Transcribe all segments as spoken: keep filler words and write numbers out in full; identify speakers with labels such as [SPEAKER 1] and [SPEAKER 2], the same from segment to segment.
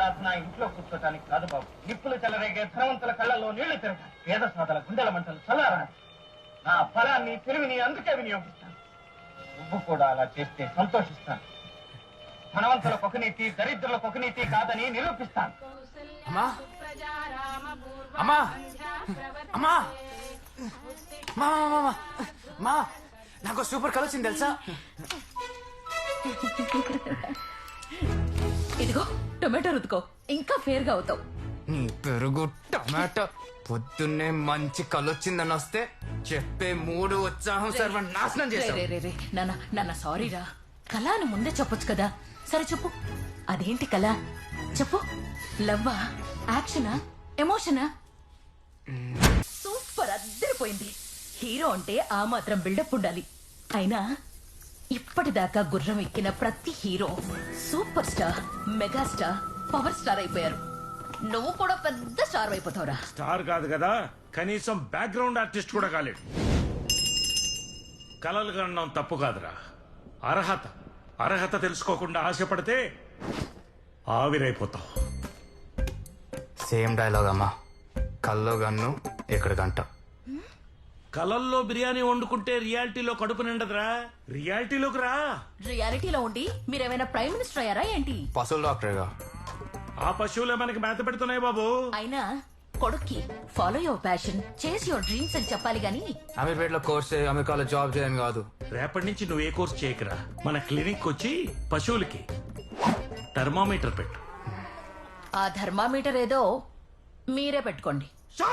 [SPEAKER 1] ఆరాధన ఇంట్లో కూర్చోటానికి కాదు బాబు. నిప్పులు చెలరేగే ధనవంతుల కళ్ళల్లో నీళ్లు తిరగాలి. పేద సాధల గుండెల మంటలు చల్లారాలి. నా ఫలాన్ని తెలివిని అందుకే వినియోగిస్తాను. నువ్వు కూడా అలా చేస్తే సంతోషిస్తాను. ధనవంతులకు ఒక నీతి, దరిద్రులకు ఒక నీతి కాదని నిరూపిస్తాను.
[SPEAKER 2] అమ్మా అమ్మా అమ్మా మా మా నాకు సూపర్ కలర్ వచ్చింది తెలుసా?
[SPEAKER 3] ఇదిగో టొమాటో రుతుకో, ఇంకా ఫేర్ గా అవుతావు.
[SPEAKER 2] నీ పెరుగు టమాటో పొద్దున్నే మంచి కలొచ్చిందని వస్తే చెప్పే మూడు ఉత్సాహం సర్వ నాశనం
[SPEAKER 3] రే
[SPEAKER 2] చేశావు.
[SPEAKER 3] రే రే రే నాన్న నాన్న సారీ రా. కళ అని ముందే చెప్పొచ్చు కదా. సరే చెప్పు, అదేంటి కళ చెప్పు. లవ్వా, యాక్షనా, ఎమోషనా? సూపర్, అద్దరిపోయింది. హీరో అంటే ఆ మాత్రం బిల్డప్ ఉండాలి. అయినా ఇప్పటిదాకా గుర్రం ఎక్కిన ప్రతి hero super star, megastar, power star అయిపోయారు. నువ్వు కూడా పెద్ద స్టార్ అయిపోతావురా.
[SPEAKER 4] స్టార్ కాదు కదా, కనీసం బ్యాక్గ్రౌండ్ ఆర్టిస్ట్ కూడా కాలేడు. కలలు కనడం తప్పు కాదురా, అర్హత. అర్హత తెలుసుకోకుండా ఆశపడితే ఆవిరైపోతావు.
[SPEAKER 2] సేమ్ డైలాగ్ అమ్మా. కల్లో గన్ను ఇక్కడ గంట.
[SPEAKER 4] కలల్లో బిర్యానీ వండుకుంటే రియాలిటీలో కడుపు నిండదురా. రియాలిటీలోకి రా.
[SPEAKER 3] రియాలిటీలో ఉండి మీరేమైనా ప్రైమ్ మినిస్టర్ అయ్యారా ఏంటి?
[SPEAKER 2] పశువుల డాక్టర్గా.
[SPEAKER 4] ఆ పశువులే మనకి మేత పెడుతున్నాయి బాబు.
[SPEAKER 3] అయినా కొడుక్కి follow your passion, chase your dreams అని చెప్పాలి గాని
[SPEAKER 2] అమీర్పేట్ లో కోర్స్ చేయి, అమెరికాలో జాబ్ చేయని కాదు.
[SPEAKER 4] రేపటి నుంచి నువ్వు ఏ కోర్స్ చేయకరా, మన క్లినిక్ వచ్చి పశువులకి థర్మామీటర్ పెట్టు.
[SPEAKER 3] ఆ థర్మామీటర్ ఏదో మీరే పెట్టుకోండి.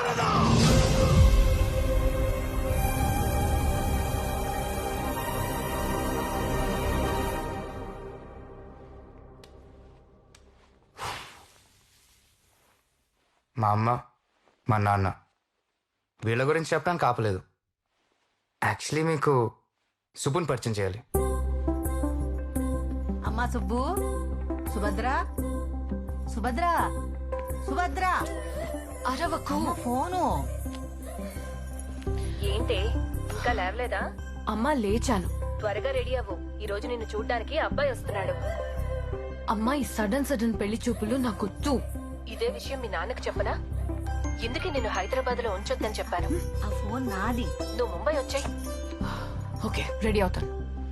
[SPEAKER 2] మా అమ్మ, మా నాన్న వీళ్ళ గురించి చెప్పడానికి ఆపలేదు. యాక్చువల్లీ మీకు సుబ్బుని పరిచయం చేయాలి.
[SPEAKER 5] అమ్మా సుబ్బు, సుభద్ర, సుభద్ర, సుభద్ర,
[SPEAKER 3] అరవకు.
[SPEAKER 5] ఫోను.
[SPEAKER 6] ఏంటి ఇంకా లేవలేదా?
[SPEAKER 7] అమ్మా లేచాను.
[SPEAKER 6] త్వరగా రెడీ అవ్వు, ఈ రోజు నిన్ను చూడ్డానికి అబ్బాయి వస్తున్నాడు.
[SPEAKER 7] అమ్మా ఈ సడన్ సడన్ పెళ్లి చూపులు నాకొద్దు.
[SPEAKER 6] ఇదే విషయం మీ నాన్నకు చెప్పనా? ఎందుకు నిన్ను హైదరాబాద్ లో ఉంచొద్దని చెప్పాను.
[SPEAKER 5] ఆ ఫోన్ నాది.
[SPEAKER 6] నువ్వు ముంబై వచ్చాయి.
[SPEAKER 7] ఓకే రెడీ అవుతాను.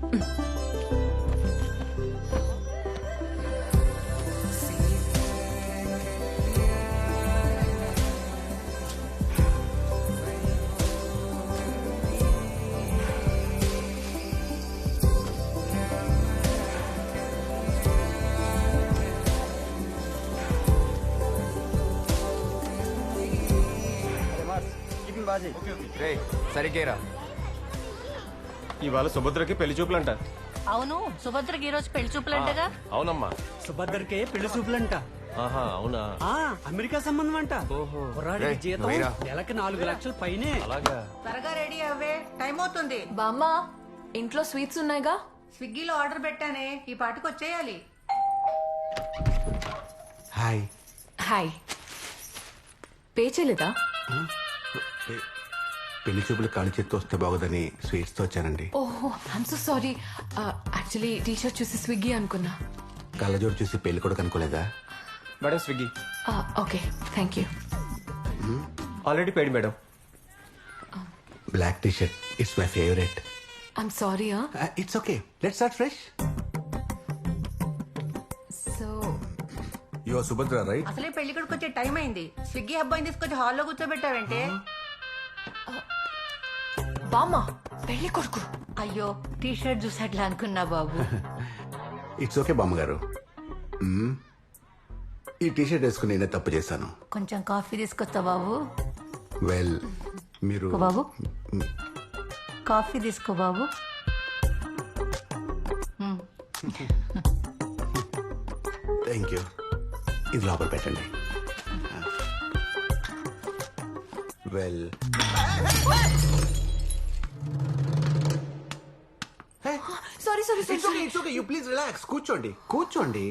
[SPEAKER 2] రేయ్ సరిగ్గా
[SPEAKER 8] ఇవాళ సుభద్రకి పెళ్లి చూపులంట.
[SPEAKER 5] అవును, సుభద్రకి ఈ రోజు పెళ్లి చూపులంటగా.
[SPEAKER 8] అవునమ్మా,
[SPEAKER 9] సుభద్రకే పెళ్లి చూపులంట.
[SPEAKER 8] ఆహా అవునా.
[SPEAKER 9] ఆ అమెరికా సంబంధం అంట. కుర్రాడికి
[SPEAKER 2] రేయ్,
[SPEAKER 9] జీతం
[SPEAKER 2] నువ్వేరా?
[SPEAKER 9] నెలకి నాలుగు లక్షల పైనే.
[SPEAKER 8] అలాగా.
[SPEAKER 5] త్వరగా రెడీ అవ్వే, టైం అవుతుంది.
[SPEAKER 7] బామ్మ ఇంట్లో స్వీట్స్ ఉన్నాయిగా.
[SPEAKER 5] స్విగ్గీలో ఆర్డర్ పెట్టానే, ఈ పాటికి వచ్చేయాలి.
[SPEAKER 8] హాయ్.
[SPEAKER 7] హాయ్. పే చేయలేదా?
[SPEAKER 8] పెళ్లి చూపులు కాలి చేత్తో వస్తే బాగోదని స్వీట్స్ తో వచ్చానండి.
[SPEAKER 7] ఓహో I'm so sorry. Actually T shirt చూసి స్విగ్గీ అనుకున్నా.
[SPEAKER 8] కళ్ళజోడు చూసి పెళ్లి కూడా కనుకోలేదా?
[SPEAKER 10] Madam Swiggy.
[SPEAKER 7] Okay thank you.
[SPEAKER 10] Already paid madam.
[SPEAKER 8] Black T shirt it's my favourite.
[SPEAKER 7] I'm sorry.
[SPEAKER 8] It's okay, let's start fresh.
[SPEAKER 7] So
[SPEAKER 8] you are Subhadra right?
[SPEAKER 5] అసలే పెళ్లి కొడుకు వచ్చే టైం అయింది. స్విగ్గీ అబ్బాయిని తీసుకొచ్చి హాల్లో కూర్చోబెట్టావంటే.
[SPEAKER 7] బామ్మ పెళ్లి కొడుకు.
[SPEAKER 5] అయ్యో టీ షర్ట్ చూసట్లా అనుకున్నా బాబు.
[SPEAKER 8] ఇట్స్ ఓకే బామ్మగారు. మ్మ్. ఈ టీ షర్ట్ వేసుకుని నేనే తప్పు చేశాను.
[SPEAKER 5] కొంచెం కాఫీ తీసుకొస్తా బాబు.
[SPEAKER 8] వెల్ మీరు
[SPEAKER 5] బాబు కాఫీ తీసుకో బాబు.
[SPEAKER 8] Thank you. ఇది లోపల పెట్టండి. Well
[SPEAKER 7] sorry sorry
[SPEAKER 8] it's okay, it's okay. You please relax. కూర్చోండి కూర్చోండి.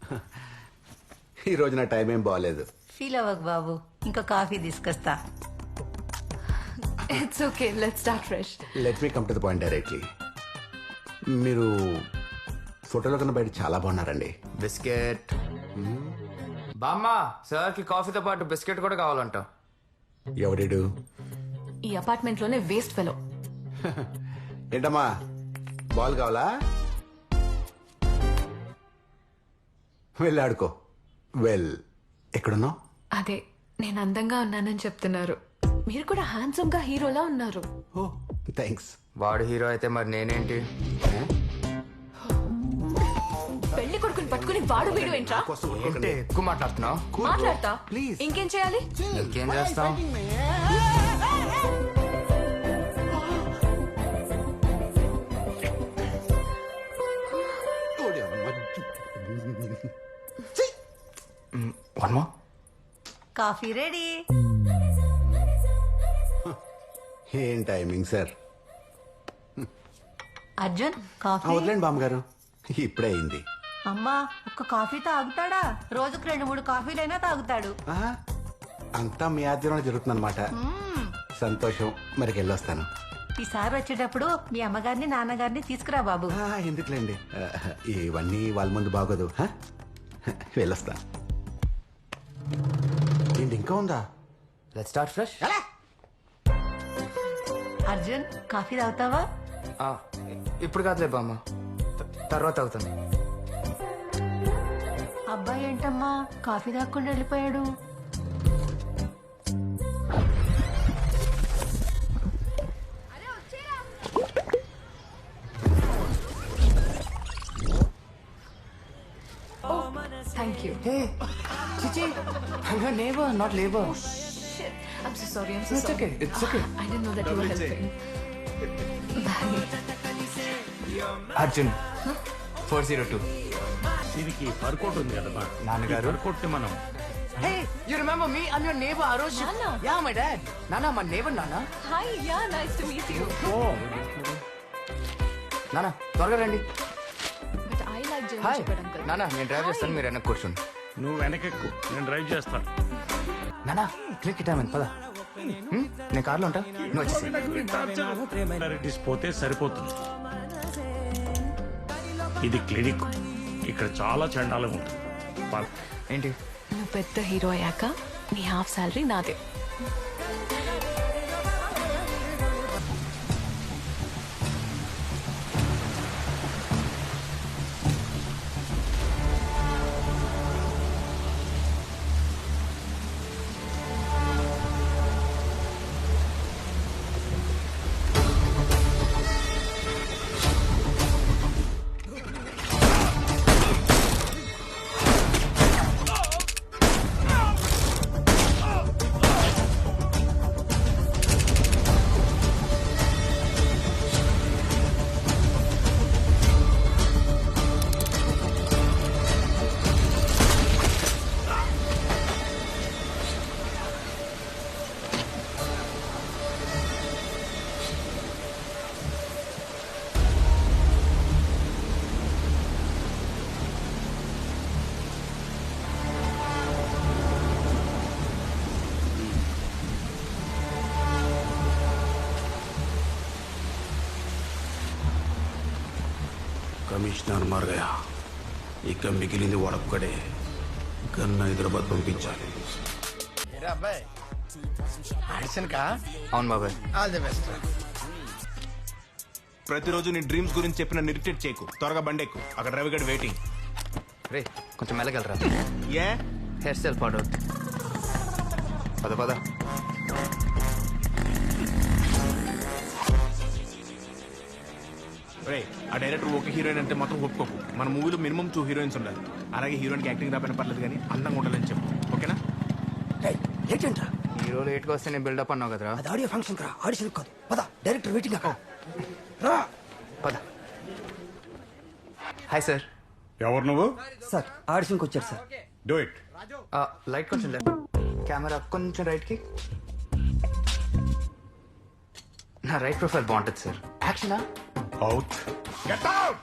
[SPEAKER 8] ఈ రోజు నా టైం ఏం బాగాలేదు.
[SPEAKER 5] ఫీల్ అవ్వకు బాబు, ఇంకా కాఫీ తీసుకొస్తా.
[SPEAKER 7] It's okay let's start fresh.
[SPEAKER 8] Let me come to the point directly. మీరు ఫోటోలో కన్నా బయట చాలా బాగున్నారండి.
[SPEAKER 2] బిస్కెట్ బామ్మ సార్ కి కాఫీతో పాటు బిస్కెట్ కూడా కావాలంట.
[SPEAKER 8] ఎవరిడు?
[SPEAKER 7] ఈ అపార్ట్మెంట్ లోనే వేస్ట్ ఫెలో.
[SPEAKER 8] ఏంటమ్మా బాల్ కావాలా? వెళ్ళి ఆడుకో. వెల్ ఎక్కడున్నావు?
[SPEAKER 7] అదే నేను అందంగా ఉన్నానని చెప్తున్నారు. మీరు కూడా హ్యాండ్సమ్ గా హీరోలా ఉన్నారు.
[SPEAKER 8] ఓ థ్యాంక్స్.
[SPEAKER 2] వాడు హీరో అయితే మరి నేనేంటి?
[SPEAKER 7] పెళ్లి కొడుకుని పట్టుకుని వాడు వీడు ఏంట్రా?
[SPEAKER 2] ఏంటి ఎక్కువ మాట్లాడుతున్నావు?
[SPEAKER 7] మాట్లాడతా.
[SPEAKER 8] ప్లీజ్.
[SPEAKER 7] ఇంకేం చేయాలి?
[SPEAKER 2] ఇంకేం చేస్తాం? One more.
[SPEAKER 5] Coffee ready.
[SPEAKER 8] ఏం టైమింగ్ సార్.
[SPEAKER 5] అర్జున్ కాఫీ.
[SPEAKER 8] వదిలేండి బామ్మగారు, ఇప్పుడే అయింది.
[SPEAKER 5] అమ్మా ఒక్క కాఫీ తాగుతాడా? రోజుకు రెండు మూడు కాఫీలైనా తాగుతాడు.
[SPEAKER 8] ఆహా, అంతా మీ ఆధ్వర్యంలో జరుగుతుందన్నమాట. సంతోషం. మరికి వెళ్ళొస్తాను.
[SPEAKER 5] ఈసారి వచ్చేటప్పుడు మీ అమ్మగారిని నాన్నగారిని తీసుకురా బాబు.
[SPEAKER 8] ఆ, ఎందుకులేండి, ఆ, ఇవన్నీ వాళ్ళ ముందు బాగోదు. ఆ? వెళ్ళొస్తాను. ఏంటి ఇంకా ఉందా?
[SPEAKER 2] Let's start fresh.
[SPEAKER 5] Arjun coffee తాగుతావా?
[SPEAKER 2] ఇప్పుడు కాదులే బామ్మ, త- తర్వాత అవుతాను.
[SPEAKER 5] అబ్బాయి ఏంటమ్మా కాఫీ తాగకుండా వెళ్ళిపోయాడు?
[SPEAKER 7] Thank you.
[SPEAKER 2] హే చిచి, I'm your neighbor, not labor.
[SPEAKER 7] I'm so sorry. I'm so
[SPEAKER 2] It's
[SPEAKER 7] sorry.
[SPEAKER 2] okay, it's okay.
[SPEAKER 7] I didn't know that you were helping. Bye.
[SPEAKER 2] Arjun four zero two.
[SPEAKER 4] దీనికి పర్కోట్ ఉంది కదా
[SPEAKER 2] నాన్నగారు.
[SPEAKER 4] పర్కోట్ మనం
[SPEAKER 2] Hey, you remember me? I'm your neighbor, Arush.
[SPEAKER 7] Nana.
[SPEAKER 2] Yeah, my dad. Nana, my neighbor, Nana.
[SPEAKER 7] Hi. Yeah, nice to meet you.
[SPEAKER 2] Nana, త్వరగా రండి.
[SPEAKER 7] But I like German
[SPEAKER 2] hi
[SPEAKER 7] Shepherd uncle.
[SPEAKER 2] నానా, నేను డ్రైవ్ చేస్తాను, మీరు వెనక్కి కూర్చోండి.
[SPEAKER 4] నువ్వు వెనకెక్కు, నేను డ్రైవ్ చేస్తాను.
[SPEAKER 2] నానా క్లిక్ టైం పద. హ్మ్? నేను కార్లో ఉంటా, నువ్వు వచ్చేసి.
[SPEAKER 4] Priorities పోతే సరిపోతుంది. ఇది క్లినిక్, ఇక్కడ చాలా చండాలంగా ఉంటుంది. పద.
[SPEAKER 2] ఏంటి?
[SPEAKER 7] నువ్వు పెద్ద హీరో అయ్యాక నీ హాఫ్ సాలరీ నాదే.
[SPEAKER 11] కమిషనర్ మార్ గయా, ఇక మిగిలింది వాడొక్కడే. గన్న హైదరాబాద్ పంపించాలి.
[SPEAKER 2] అవును బాబాయ్.
[SPEAKER 11] ప్రతిరోజు నీ డ్రీమ్స్ గురించి చెప్పిన ఇరిటేట్ చేయకు. త్వరగా బండెక్కు, అక్కడ రవి గడి వెయిటింగ్.
[SPEAKER 2] రే కొంచెం మెల్లగలరా,
[SPEAKER 11] ఏ
[SPEAKER 2] హెయిర్ స్టైల్ పాడు. పద పద.
[SPEAKER 11] రే, ఆ డైరెక్టర్ ఒక హీరోయిన్ అంటే మొత్తం ఒప్పుకోకు. మన మూవీలో మినిమం టూ హీరోయిన్స్ ఉండాలి. అలాగే హీరోయిన్కి యాక్టింగ్ రాకపోయినా పర్లేదు, కానీ అందంగా ఉండాలని చెప్పు, ఓకేనా?
[SPEAKER 2] ఏంటంటా హీరో లేట్గా వస్తే నేను బిల్డప్ అన్నావు కదరా.
[SPEAKER 9] అది ఆడియో ఫంక్షన్ రా, ఆడిషన్ కాదు. పద, డైరెక్టర్ వెయిటింగ్ అక్కడ. రా.
[SPEAKER 2] పద. Hi sir.
[SPEAKER 9] ఎవరు నువ్వు? సార్ ఆడిషన్కి వచ్చారు సార్.
[SPEAKER 11] Do it.
[SPEAKER 2] లైట్ కొంచెం లెఫ్ట్, కెమెరా కొంచెం రైట్కి. నా రైట్ ప్రొఫైల్ బాగుంటుంది సార్. యాక్షనా?
[SPEAKER 11] అవుట్. Get out.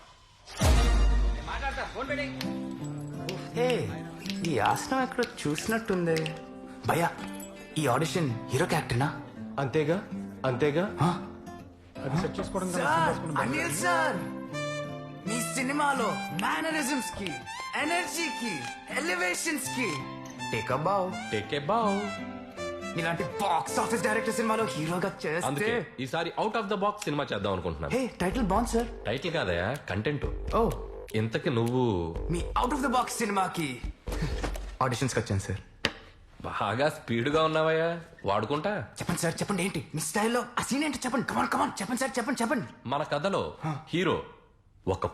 [SPEAKER 2] హే, ఈ ఆసనం ఎక్కడో చూసినట్టుంది. భయ్యా, ఈ ఆడిషన్ హీరో క్యారెక్టర్నా?
[SPEAKER 10] అంతేగా అంతేగా.
[SPEAKER 11] అది సెట్ చేసుకోవడం
[SPEAKER 2] అనిల్ సార్, మీ సినిమాలో మేనరిజమ్స్ కి, ఎనర్జీకి, ఎలివేషన్స్ కి టేక్ అ బావ్.
[SPEAKER 10] టేక్ ఏ బావ్.
[SPEAKER 2] ఇలాంటి బాక్స్ ఆఫీస్ డైరెక్టర్ సినిమాలో హీరోగా చేస్తే
[SPEAKER 10] అందుకే ఈసారి out of the box cinema చేద్దాం అనుకుంటున్నాను.
[SPEAKER 2] హే టైటిల్ బాగుంది సార్.
[SPEAKER 10] టైటిల్ కాదయా, కంటెంట్.
[SPEAKER 2] ఓ
[SPEAKER 10] ఇంతకి నువ్వు
[SPEAKER 2] మీ అవుట్ ఆఫ్ ద బాక్స్ సినిమాకి ఆడిషన్స్కి వచ్చాను సార్.
[SPEAKER 10] బాగా స్పీడ్గా ఉన్నావయ్యా, వాడుకుంటా.
[SPEAKER 2] చెప్పండి సార్, చెప్పండి ఏంటి మీ స్టైల్లో ఆ సీన్ ఏంటో చెప్పండి. కమాన్ కమాన్ చెప్పండి సార్, చెప్పండి చెప్పండి.
[SPEAKER 10] మన కథలో హీరో ఒక